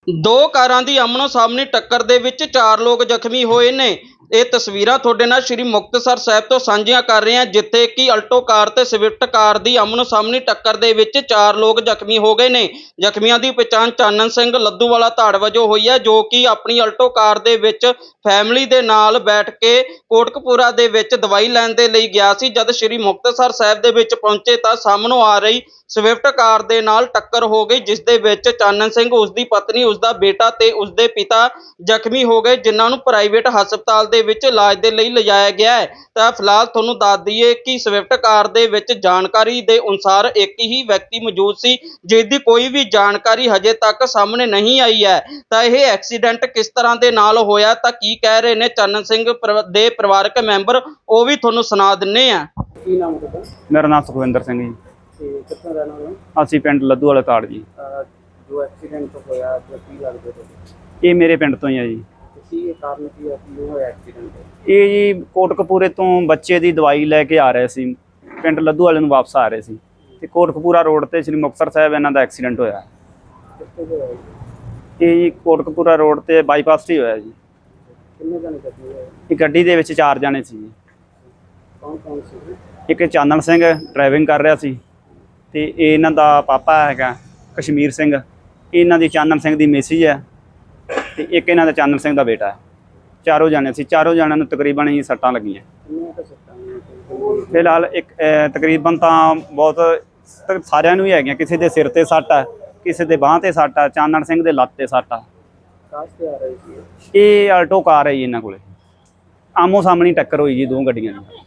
ਦੋ ਕਾਰਾਂ ਦੀ ਆਮਣੋ ਸਾਹਮਣੇ ਟੱਕਰ ਦੇ ਵਿੱਚ 4 ਲੋਕ ਜ਼ਖਮੀ ਹੋਏ ਨੇ। ਇਹ ਤਸਵੀਰਾਂ ਤੁਹਾਡੇ ਨਾਲ ਸ਼੍ਰੀ ਮੁਕਤਸਰ ਸਾਹਿਬ ਤੋਂ ਸਾਂਝੀਆਂ ਕਰ ਰਹੇ ਹਾਂ, ਜਿੱਥੇ ਕਿ ਅਲਟੋ ਕਾਰ ਤੇ ਸਵਿਫਟ ਕਾਰ ਦੀ ਆਮਣੋ ਸਾਹਮਣੇ ਟੱਕਰ ਦੇ ਵਿੱਚ 4 ਲੋਕ ਜ਼ਖਮੀ ਹੋ ਗਏ ਨੇ। ਜ਼ਖਮੀਆਂ ਦੀ ਪਛਾਣ ਚਾਨਣ ਸਿੰਘ ਲੱਧੂਵਾਲਾ ਧਾੜ ਵਜੋਂ ਹੋਈ ਹੈ, ਜੋ ਕਿ ਆਪਣੀ ਅਲਟੋ ਕਾਰ ਦੇ ਵਿੱਚ ਫੈਮਿਲੀ ਦੇ ਨਾਲ ਬੈਠ ਕੇ ਕੋਟਕਪੂਰਾ ਦੇ ਵਿੱਚ ਦਵਾਈ ਲੈਣ ਦੇ ਲਈ ਗਿਆ ਸੀ। ਜਦ ਸ਼੍ਰੀ ਮੁਕਤਸਰ ਸਾਹਿਬ ਦੇ ਵਿੱਚ ਪਹੁੰਚੇ ਤਾਂ ਸਾਹਮਣੋਂ ਆ ਰਹੀ ਸਵਿਫਟ ਕਾਰ ਦੇ ਨਾਲ ਟੱਕਰ ਹੋ ਗਈ, ਜਿਸ ਦੇ ਵਿੱਚ ਚਾਨਣ ਸਿੰਘ, ਉਸਦੀ ਪਤਨੀ, ਉਸਦਾ ਬੇਟਾ ਤੇ ਉਸਦੇ ਪਿਤਾ ਜ਼ਖਮੀ ਹੋ ਗਏ, ਜਿਨ੍ਹਾਂ ਨੂੰ ਪ੍ਰਾਈਵੇਟ ਹਸਪਤਾਲ ਦੇ ਵਿੱਚ ਇਲਾਜ ਦੇ ਲਈ ਲਿਜਾਇਆ ਗਿਆ ਹੈ। ਤਾਂ ਫਿਲਹਾਲ ਤੁਹਾਨੂੰ ਦੱਸ ਦਈਏ ਕਿ ਸਵਿਫਟ ਕਾਰ ਦੇ ਵਿੱਚ ਜਾਣਕਾਰੀ ਦੇ ਅਨੁਸਾਰ ਇੱਕ ਹੀ ਵਿਅਕਤੀ ਮੌਜੂਦ ਸੀ, ਜਿਸ ਦੀ ਕੋਈ ਵੀ ਜਾਣਕਾਰੀ ਹਜੇ ਤੱਕ ਸਾਹਮਣੇ ਨਹੀਂ ਆਈ ਹੈ। ਤਾਂ ਇਹ ਐਕਸੀਡੈਂਟ ਕਿਸ ਤਰ੍ਹਾਂ ਦੇ ਨਾਲ ਹੋਇਆ, ਤਾਂ ਕੀ ਕਹਿ ਰਹੇ ਨੇ ਚਾਨਣ ਸਿੰਘ ਦੇ ਪਰਿਵਾਰਕ ਮੈਂਬਰ, ਉਹ ਵੀ ਤੁਹਾਨੂੰ ਸੁਣਾ ਦਿੰਨੇ ਆ। ਕੀ ਨਾਮ ਤੁਹਾਡਾ? ਮੇਰਾ ਨਾਮ ਸੁਖਵਿੰਦਰ ਸਿੰਘ ਜੀ। ਤੇ ਕਿੱਥੋਂ ਰਹਿਣ ਵਾਲੇ ਹੋ? ਅਸੀਂ ਪਿੰਡ ਲੱਧੂਵਾਲਾ ਤਾੜ ਜੀ। ਜੋ ਐਕਸੀਡੈਂਟ ਹੋਇਆ ਜੋ ਕੀ ਲੱਗਦਾ ਤੁਹਾਨੂੰ? ਇਹ ਮੇਰੇ ਪਿੰਡ ਤੋਂ ਹੀ ਆ ਜੀ। ਕੀ ਕਾਰਨ ਕੀ ਹੈ ਕਿ ਹੋਇਆ ਐਕਸੀਡੈਂਟ? ਇਹ ਜੀ ਕੋਟਕਪੂਰੇ ਤੋਂ ਬੱਚੇ ਦੀ ਦਵਾਈ ਲੈ ਕੇ ਆ ਰਹੇ ਸੀ, ਪਿੰਡ ਲੱਧੂਵਾਲੇ ਨੂੰ ਵਾਪਸ ਆ ਰਹੇ ਸੀ ਤੇ ਕੋਟਕਪੂਰਾ ਰੋਡ ਤੇ ਸ਼੍ਰੀ ਮੁਕਤਸਰ ਸਾਹਿਬ ਇਹਨਾਂ ਦਾ ਐਕਸੀਡੈਂਟ ਹੋਇਆ। ਕਿੱਥੇ ਹੋਇਆ? ਇਹ ਜੀ ਕੋਟਕਪੂਰਾ ਰੋਡ ਤੇ ਬਾਈਪਾਸ 'ਤੇ ਹੀ ਹੋਇਆ ਜੀ। ਕਿੰਨੇ ਜਣੇ ਜ਼ਖਮੀ ਹੋਏ? ਇਹ ਗੱਡੀ ਦੇ ਵਿੱਚ 4 ਜਣੇ ਸੀ ਜੀ। ਕੌਣ ਕੌਣ ਸੀ? ਇੱਕ ਚਾਨਣ ਸਿੰਘ ਡਰਾਈਵਿੰਗ ਕਰ ਰਿਹਾ ਸੀ ਤੇ ਇਹ ਇਹਨਾਂ ਦਾ ਪਾਪਾ ਹੈਗਾ ਕਸ਼ਮੀਰ ਸਿੰਘ, ਇਹਨਾਂ ਦੀ ਚਾਨਣ ਸਿੰਘ ਦੀ ਮਿਸਿਜ ਹੈ ਤੇ ਇੱਕ ਇਹਨਾਂ ਦਾ ਚਾਨਣ ਸਿੰਘ ਦਾ ਬੇਟਾ ਹੈ। 4 ਜਣੇ ਸੀ, 4 ਜਣਿਆਂ ਨੂੰ ਤਕਰੀਬਨ ਹੀ ਸੱਟਾਂ ਲੱਗੀਆਂ। ਕਿੰਨੀਆਂ ਕੁ ਸੱਟਾਂ ਨੇ? ਫਿਲਹਾਲ ਇੱਕ ਤਕਰੀਬਨ ਤਾਂ ਬਹੁਤ ਸਾਰਿਆਂ ਨੂੰ ਹੀ ਹੈਗੀਆਂ। ਕਿਸੇ ਦੇ ਸਿਰ ਤੇ ਸੱਟ ਹੈ, ਕਿਸੇ ਦੇ ਬਾਂਹ ਤੇ ਸੱਟ ਹੈ, ਚਾਨਣ ਸਿੰਘ ਦੇ ਲੱਤ ਤੇ ਸੱਟ ਆ। ਕਾਸ ਤੇ ਆ ਰਹੀ ਸੀ? ਇਹ ਆਲਟੋ ਕਾਰ ਹੈ ਜੀ ਇਹਨਾਂ ਕੋਲੇ। ਆਮੋ ਸਾਹਮਣੀ ਟੱਕਰ ਹੋਈ ਜੀ ਦੋ ਗੱਡੀਆਂ ਦੀ।